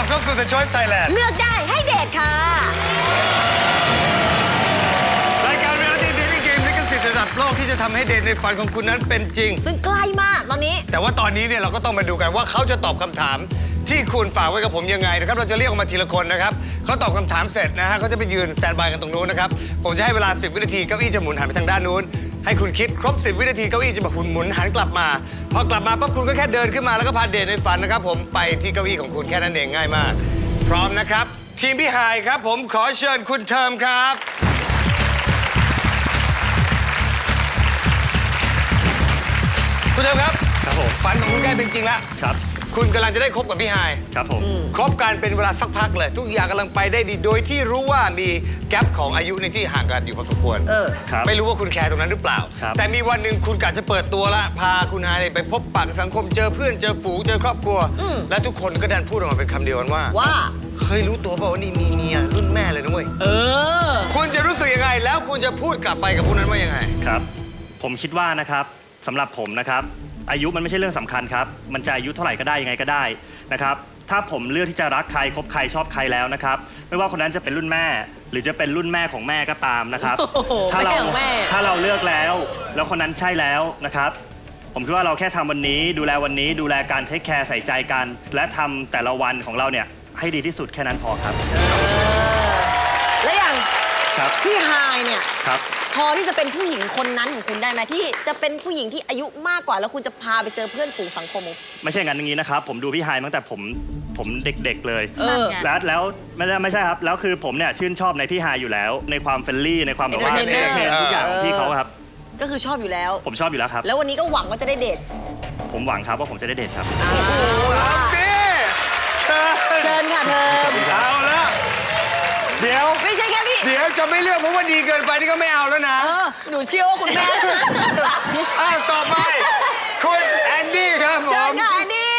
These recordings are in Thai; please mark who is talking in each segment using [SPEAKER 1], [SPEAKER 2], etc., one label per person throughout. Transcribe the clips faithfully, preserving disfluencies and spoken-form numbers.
[SPEAKER 1] ลับเข้าสู่ The Choice Thailand
[SPEAKER 2] เลือกได้ให้เดทค่ะ
[SPEAKER 1] รายการเรียลลิตี้เดทติ้งเกมลิขสิทธิ์ระดับโลกที่จะทำให้เดทในฝันของคุณนั้นเป็นจริง
[SPEAKER 2] ซึ่งใกล้มากตอนนี้
[SPEAKER 1] แต่ว่าตอนนี้เนี่ยเราก็ต้องมาดูกันว่าเขาจะตอบคำถามที่คุณฝากไว้กับผมยังไงนะครับเราจะเรียกออกมาทีละคนนะครับเขาตอบคำถามเสร็จนะฮะเขาจะไปยืนสแตนบายกันตรงนู้นนะครับผมจะให้เวลาสิบวินาทีเก้าอี้จะหมุนหันไปทางด้านนู้นให้คุณคิดครบสิบวินาทีเก้าอี้จะมาหมุนหมุนหันกลับมาพอกลับมาปั๊บคุณก็แค่เดินขึ้นมาแล้วก็พาเดทในฝันนะครับผมไปที่เก้าอี้ของคุณแค่นั้นเองง่ายมากพร้อมนะครับทีมพี่ไฮครับผมขอเชิญคุณเทิมครับคุณเทิมครับ
[SPEAKER 3] ครับผม
[SPEAKER 1] ฝันของคุณใกล้เป็นจริงแล้ว
[SPEAKER 3] ครับ
[SPEAKER 1] คุณกำลังจะได้คบกับพี่ไฮ
[SPEAKER 3] ครับผม
[SPEAKER 1] คบกันเป็นเวลาสักพักเลยทุกอย่างกำลังไปได้ดีโดยที่รู้ว่ามีแกลบของอายุในที่ห่างกันอยู่พอสมควร
[SPEAKER 2] เออ
[SPEAKER 1] ไม่รู้ว่าคุณแคร์ตรงนั้นหรือเปล่าแต่มีวันหนึ่งคุณกะจะเปิดตัวละพาคุณไฮไปพบปะสังคมเจอเพื่อนเจอฝูงเจอครอบครัวและทุกคนก็ดันพูดออกมาเป็นคำเดียวกันว่า
[SPEAKER 2] ว่า
[SPEAKER 1] เฮ้ยรู้ตัวเปล่าว่านี่มีเมียรุ่นแม่เลยนะเว้ย
[SPEAKER 2] เออ
[SPEAKER 1] คุณจะรู้สึกยังไงแล้วคุณจะพูดกลับไปกับพวกนั้นว่ายังไง
[SPEAKER 3] ครับผมคิดว่านะครับสำหรับผมนะครับอายุมันไม่ใช่เรื่องสำคัญครับมันจะอายุเท่าไหร่ก็ได้ยังไงก็ได้นะครับถ้าผมเลือกที่จะรักใครคบใครชอบใครแล้วนะครับไม่ว่าคนนั้นจะเป็นรุ่นแม่หรือจะเป็นรุ่นแม่ของแม่ก็ตามนะครับถ้าเราถ้าเราเลือกแล้วแล้วคนนั้นใช่แล้วนะครับผมคิดว่าเราแค่ทำวันนี้ดูแลวันนี้ดูแลการเทคแคร์ใส่ใจกันและทำแต่ละวันของเราเนี่ยให้ดีที่สุดแค่นั้นพอครับ
[SPEAKER 2] และอย่างพี่ไฮเนี่ย
[SPEAKER 3] ครับ
[SPEAKER 2] พอที่จะเป็นผู้หญิงคนนั้นของคุณได้ไหมที่จะเป็นผู้หญิงที่อายุมากกว่าแล้วคุณจะพาไปเจอเพื่อนฝูงสังคม
[SPEAKER 3] ไม่ใช่งั้นอย่างนี้นะครับผมดูพี่ไฮตั้งแต่ผมผมเด็กๆเลยแล้วแล้วไม่ใช่ไม่ใช่ครับแล้วคือผมเนี่ยชื่นชอบในพี่ไฮอยู่แล้วในความเฟรนลี่ในความแบบว่าเอนเตอร์เทนทุกอย่างของพี่เขาครับ
[SPEAKER 2] ก็คือชอบอยู่แล้ว
[SPEAKER 3] ผมชอบอยู่แล้วครับ
[SPEAKER 2] แล้ววันนี้ก็หวังว่าจะได้เดท
[SPEAKER 3] ผมหวังครับว่าผมจะได้เดทครับ
[SPEAKER 1] โอ้โหเอาสิเชิญ
[SPEAKER 2] เชิญค่ะเธอ
[SPEAKER 1] เอาละเดี๋ยว
[SPEAKER 2] ไม่ใช่แค่พี่
[SPEAKER 1] เดี๋ยวจะไม่เลือกเพราะว่าดีเกินไปนี่ก็ไม่เอาแล้วนะ
[SPEAKER 2] เออหนูเชื่อว่าคุณแม่
[SPEAKER 1] อ้าวต่อไปคุณแอนดี้ครับผม
[SPEAKER 2] เชิญค่ะแอนดี้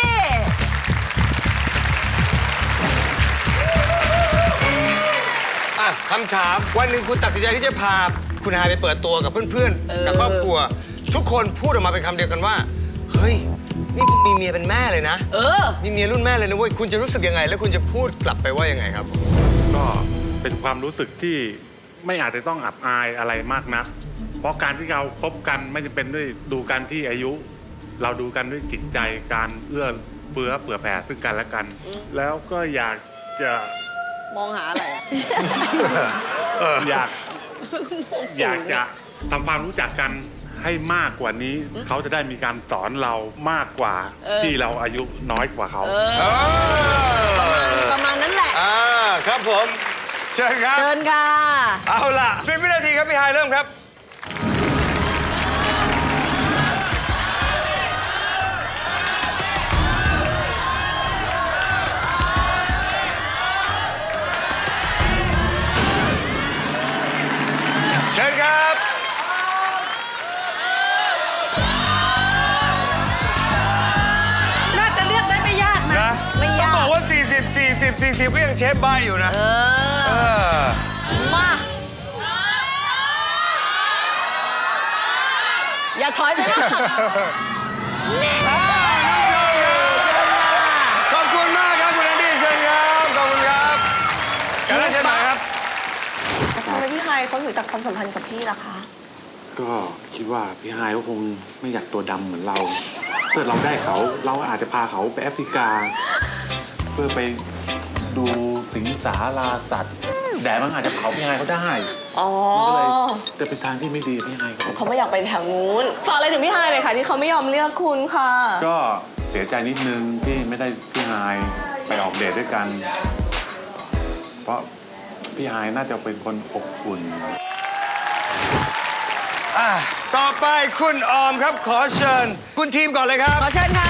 [SPEAKER 1] อ่ะคำถามวันหนึ่งคุณตัดสินใจที่จะพาคุณไฮไปเปิดตัวกับเพื่อนๆกับครอบครัวทุกคนพูดออกมาเป็นคำเดียวกันว่าเฮ้ยนี่มีเมียเป็นแม่เลยนะ
[SPEAKER 2] เออ
[SPEAKER 1] มีเมียรุ่นแม่เลยนะเว้ยคุณจะรู้สึกยังไงแล้วคุณจะพูดกลับไปว่ายังไงครับ
[SPEAKER 4] ก็เป็นความรู้สึกที่ไม่อาจจะต้องอับอายอะไรมากนักเพราะการที่เราคบกันไม่จำเป็นด้วยดูกันที่อายุเราดูกันด้วยจิตใจการเอื้อเฟื้อเผื่อแผ่ซึ่งกันและกันแล้วก็อยากจะ
[SPEAKER 2] มองหาอะไร
[SPEAKER 4] อยากอยากจะทำความรู้จักกันให้มากกว่านี้เขาจะได้มีการสอนเรามากกว่าที่เราอายุน้อยกว่าเขา
[SPEAKER 2] ประมาณนั้นแหละ
[SPEAKER 1] อ่าครับผมเชิญครับ
[SPEAKER 2] เชิญค่ะ
[SPEAKER 1] เอาล่ะสิบวินาทีครับพี่ไฮเริ่มครับเชิญครับ
[SPEAKER 2] น่าจะเลือกได้ไม่ยากนะไม่ยาก
[SPEAKER 1] ต้องบอกว่าสี่สิบ สี่สิบ สี่สิบก็ยังเชฟบ้าอยู่นะ
[SPEAKER 2] เออมาอย่าถอยไปนะ
[SPEAKER 1] ขอบคุณมากครับคุณแอนดี้เชิญครับขอบคุณครับเชิญเชิญมาครับ
[SPEAKER 5] ทำไมพี่ไฮเขาถึงตัดความสัมพันธ์กับพี่ล่ะคะ
[SPEAKER 4] ก็คิดว่าพี่ไฮเขาคงไม่อยากตัวดำเหมือนเราถ้าเราได้เขาเราอาจจะพาเขาไปแอฟริกาเพื่อไปดูสิงสาราสัตว์แดดมันอาจจะเผาพี่ไฮเขาได้
[SPEAKER 5] อ๋อ
[SPEAKER 4] ก็เลยจะเป็นทางที่ไม่ดีพี่ไฮเขา
[SPEAKER 5] เขาไม่อยากไปแถวนู้นฝากอะไรถึงพี่ไฮเลยค่ะที่เขาไม่ยอมเลือกคุณค่ะ
[SPEAKER 4] ก็เสียใจนิดนึงที่ไม่ได้พี่ไฮไปออกเดทด้วยกันเพราะพี่ไฮน่าจะเป็นคนอบอุ่น
[SPEAKER 1] อ่ะต่อไปคุณออมครับขอเชิญคุณทีมก่อนเลยครับ
[SPEAKER 2] ขอเชิญค่ะ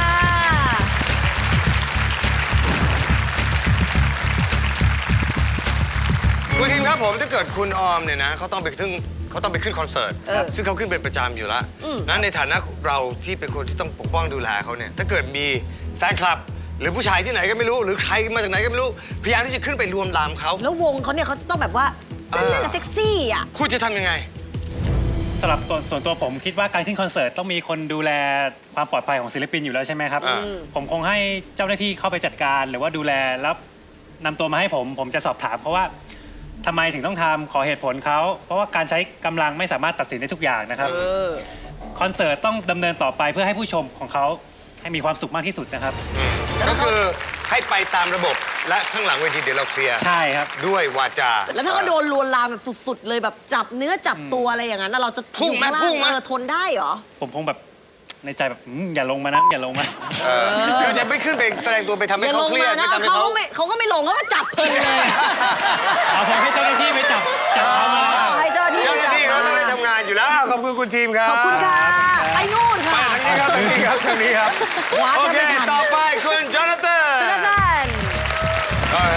[SPEAKER 1] คุณทีมครับผมถ้าเกิดคุณออมเนี่ยนะเขาต้องไปขึ้นเขาต้องไปขึ้นคอนเสิร์ตซึ่งเขาขึ้นเป็นประจำอยู่แล้วนั้นในฐานะเราที่เป็นคนที่ต้องปกป้องดูแลเขาเนี่ยถ้าเกิดมีแฟนคลับหรือผู้ชายที่ไหนก็ไม่รู้หรือใครมาจากไหนก็ไม่รู้พยายามที่จะขึ้นไปรวมลามเขา
[SPEAKER 2] แล้ววงเขาเนี่ยเขาต้องแบบว่าเล่นเซ็กซี่อ่ะ
[SPEAKER 1] คุณจะทำยังไง
[SPEAKER 6] สำหรับตัวส่วนตัวผมคิดว่าการขึ้นคอนเสิร์ตต้องมีคนดูแลความปลอดภัยของศิลปินอยู่แล้วใช่ไหมครับผมคงให้เจ้าหน้าที่เข้าไปจัดการหรือว่าดูแลแล้วนำตัวมาให้ผม ผมจะสอบถามเขาว่าทำไมถึงต้องทำขอเหตุผลเขา เพราะว่าการใช้กำลังไม่สามารถตัดสินได้ทุกอย่างนะครับ
[SPEAKER 2] เออ
[SPEAKER 6] คอนเสิร์ตต้องดำเนินต่อไปเพื่อให้ผู้ชมของเขาให้มีความสุขมากที่สุดนะครับ
[SPEAKER 1] ก็คือให้ไปตามระบบและข้างหลังเวทีเดี๋ยวเราเคลียร์
[SPEAKER 6] ใช่ครับ
[SPEAKER 1] ด้วยวาจา
[SPEAKER 2] แล้วถ้าเขาโดนลวนลามแบบสุดๆ เลยแบบจับเนื้อจับตัวอะไรอย่างนั้นน่ะเราจะ
[SPEAKER 1] พุ่งไหม
[SPEAKER 2] อยู่ข้าล่า
[SPEAKER 1] พุ่งไหม
[SPEAKER 2] เออทนได้เหรอ
[SPEAKER 6] ผมคงแบบในใจแบบอืมอย่าลงมานะอย่าลงมา
[SPEAKER 1] เออคือจะไม่ขึ้นไปแสดงตัวไปทำให้
[SPEAKER 2] อย่าล
[SPEAKER 1] เขา
[SPEAKER 2] ง
[SPEAKER 1] เครีย
[SPEAKER 2] มา
[SPEAKER 1] ด
[SPEAKER 2] นะ
[SPEAKER 1] ไม่ทำให้
[SPEAKER 2] เขา
[SPEAKER 1] เขา
[SPEAKER 2] ก็ไม่เขาก็ไม่ลงเขาก็จับเพลินเลย
[SPEAKER 6] เอาผมให้เจ้าหน้าที่ไปจับจับเขามา
[SPEAKER 2] ให้เจ้าหน้าที่
[SPEAKER 1] เจ้าหน้าที่เขาต้องได้ทำงานอยู่แล้วอ้าวขอบคุณคุณทีมครับ
[SPEAKER 2] ขอบคุณค่ะไปนู่น
[SPEAKER 1] ไป
[SPEAKER 2] ค่ะ
[SPEAKER 1] ทางนี้ครับทางนี้ครับทางนี้ครับ
[SPEAKER 2] ขวา
[SPEAKER 1] โอ
[SPEAKER 2] จะ
[SPEAKER 1] เค
[SPEAKER 2] ไม่ทัน
[SPEAKER 1] ต่อไปคุณจอนาธาน
[SPEAKER 2] จนาธาน
[SPEAKER 1] โอเค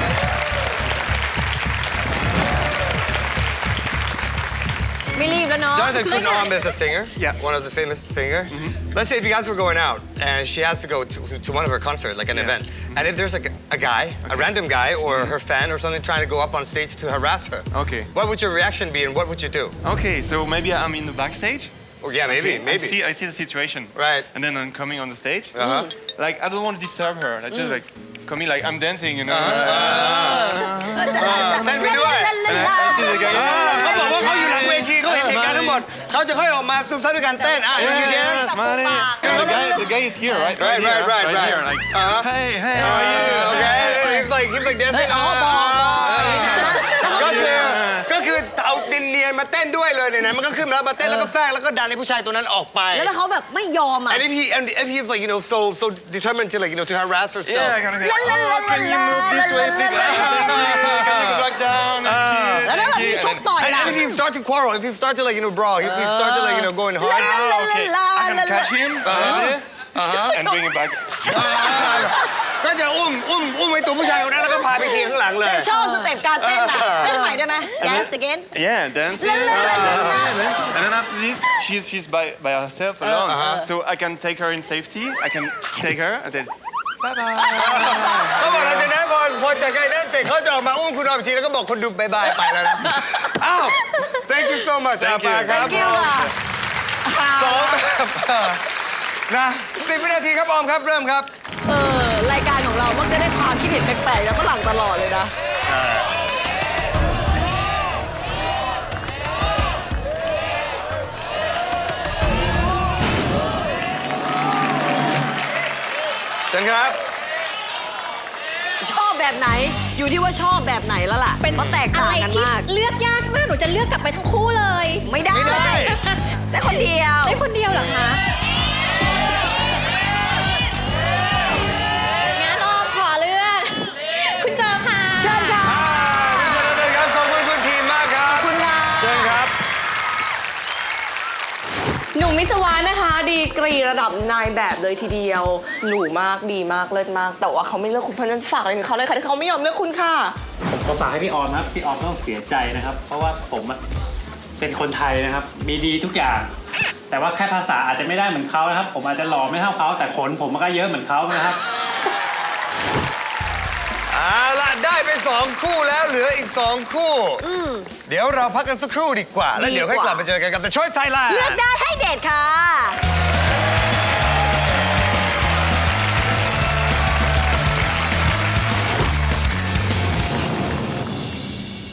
[SPEAKER 2] ไม่รีบแล้วเนาะ
[SPEAKER 1] Jonathan Kunom is a singer. Yeah. One of the famous singer. Let's say if you guys were going out and she has to go to, to one of her concerts, like an event, and if there's like a guy, a random guy or her fan or something trying to go up on stage to harass her,
[SPEAKER 7] Okay.
[SPEAKER 1] what would your reaction be and what would you do?
[SPEAKER 7] Okay, so maybe I'm in the backstage.
[SPEAKER 1] Oh yeah, maybe,
[SPEAKER 7] Okay,
[SPEAKER 1] maybe.
[SPEAKER 7] I see, I see the situation.
[SPEAKER 1] Right.
[SPEAKER 7] And then I'm coming on the stage.
[SPEAKER 1] Uh-huh.
[SPEAKER 7] Like I don't want to disturb her. I just like coming like I'm dancing, you know.
[SPEAKER 1] Then we do it.
[SPEAKER 7] I see the guy.
[SPEAKER 1] เขาบอกว่าเขาอยู่หลังเวทีเขาเห็นเหตุการณ์ทั้งหมดเขาจะค่อยออกมาซุ่มซ่ามด้วยการเต้นอ่ะ
[SPEAKER 7] Yeah,
[SPEAKER 1] ยืนยัน
[SPEAKER 7] yeah, smiling. And the guy, the guy is here, right?
[SPEAKER 1] Right,
[SPEAKER 7] here,
[SPEAKER 1] right, right,
[SPEAKER 7] right
[SPEAKER 1] right.
[SPEAKER 7] here. Like,
[SPEAKER 1] Uh-huh.
[SPEAKER 7] hey, hey, how are you?
[SPEAKER 1] Okay, he's like he's like dancing.
[SPEAKER 2] อ๋อบอกบอก
[SPEAKER 1] ก็คือก็คือเอาดินเนียนมาเต้นด้วยเลยเนี่ยนะมันก็ขึ้นมาแล้วมาเต้นแล้วก็แฝงแล้วก็ดันให้ผู้ชายตัวนั้นออกไป
[SPEAKER 2] แล้วถ้าเขาแบบไม่ยอมอ่ะ
[SPEAKER 1] And if he and if he's like you know so so determined to like you know to harass her still.
[SPEAKER 7] Yeah, kind of.
[SPEAKER 2] La, la, la,
[SPEAKER 7] Oh, can you
[SPEAKER 2] la,
[SPEAKER 7] move this way,
[SPEAKER 2] la,
[SPEAKER 7] please?
[SPEAKER 2] la, la, la, la.
[SPEAKER 7] Can you go back down? Thank you,
[SPEAKER 2] แล้วถ้า
[SPEAKER 7] thank
[SPEAKER 2] แบบ
[SPEAKER 7] you.
[SPEAKER 2] มีชก
[SPEAKER 7] And
[SPEAKER 2] ต่อย
[SPEAKER 1] And
[SPEAKER 2] ล่ะ
[SPEAKER 1] if he start to quarrel, if he start to like you know brawl, if he start to like you know going hard.
[SPEAKER 7] then- Ah, okay. I can catch him and bring him back.
[SPEAKER 1] ก็จะอุ้มอุ้มอุ้มไอ้ตัวผู้ชายคนนั้นแล้วก็พาไปขี่ข้างหลังเลย
[SPEAKER 2] ชอบสเต็ปการเต้นอ่ะเต้นใหม่ได้ไหม dance again
[SPEAKER 7] Yeah, dancing.
[SPEAKER 2] La, la, la, la, la.
[SPEAKER 7] And then after this, she's she's by by herself alone. So I can take her in safety. I can take her and then bye bye.
[SPEAKER 1] เขาบอกหลังจากนั้นพอพอจากการนั้นเสร็จเขาจะออกมาอุ้มคุณออกทีแล้วก็บอกคนดูบายบายไปแล้วนะ อ้าว thank you so much อา
[SPEAKER 7] Thank you
[SPEAKER 1] ปาครับ
[SPEAKER 2] thank you อ่ะ
[SPEAKER 1] สองแบบนะสิบวินาทีครับออมครับเริ่มครับ
[SPEAKER 2] เออรายการของเรามักจะได้ความคิดเห็นแปลกๆแล้วก็หลังตลอดเลยนะ
[SPEAKER 1] เชิญครับ
[SPEAKER 2] ชอบแบบไหนอยู่ที่ว่าชอบแบบไหนแล้วล่ะเพราะแตกต่างกันมาก
[SPEAKER 8] เลือกยากมาก หนูจะเลือกกลับไปทั้งคู่เลย
[SPEAKER 2] ไม่ได้
[SPEAKER 1] ไม่ได้
[SPEAKER 2] ได้คนเดียว
[SPEAKER 8] ได้คนเดียวเหรอคะ งั้นออมขอเลือก คุณเจอค่ะ
[SPEAKER 2] เชิญค่ะ
[SPEAKER 1] คุณจนาธานครับขอบคุณคุณทีมมากครับ
[SPEAKER 2] คุณค่ะ
[SPEAKER 1] เชิญครับ
[SPEAKER 5] หนุ่มมิสวานะคะ ดีกรีระดับนายแบบเลยทีเดียวหรูมากดีมากเลิศมาก แต่ว่าเขาไม่เลือกคุณเพราะฉะนั้นฝากอะไรถึงเขาเลยค่ะที่เขาไม่ยอมเลือกคุณค่ะ
[SPEAKER 6] ผมขอฝากให้พี่ออมนะครับพี่ออมต้องเสียใจนะครับ เพราะว่าผมอะเป็นคนไทยนะครับ มีดีทุกอย่าง แต่ว่าแค่ภาษาอาจจะไม่ได้เหมือนเขานะครับ ผมอาจจะหล่อไม่เท่าเขาแต่ขนผมมันก็เยอะเหมือนเขานะครับ
[SPEAKER 1] เอาล่ะได้ไปสองคู่แล้วเหลืออีกสองคู่ เดี๋ยวเราพักกันสักครู่ดีกว่า แล้วเดี๋ยวค่อยกลับมาเจอกันกับ The Choice Thailand
[SPEAKER 2] เลือกได้ให้เด็ดค่ะ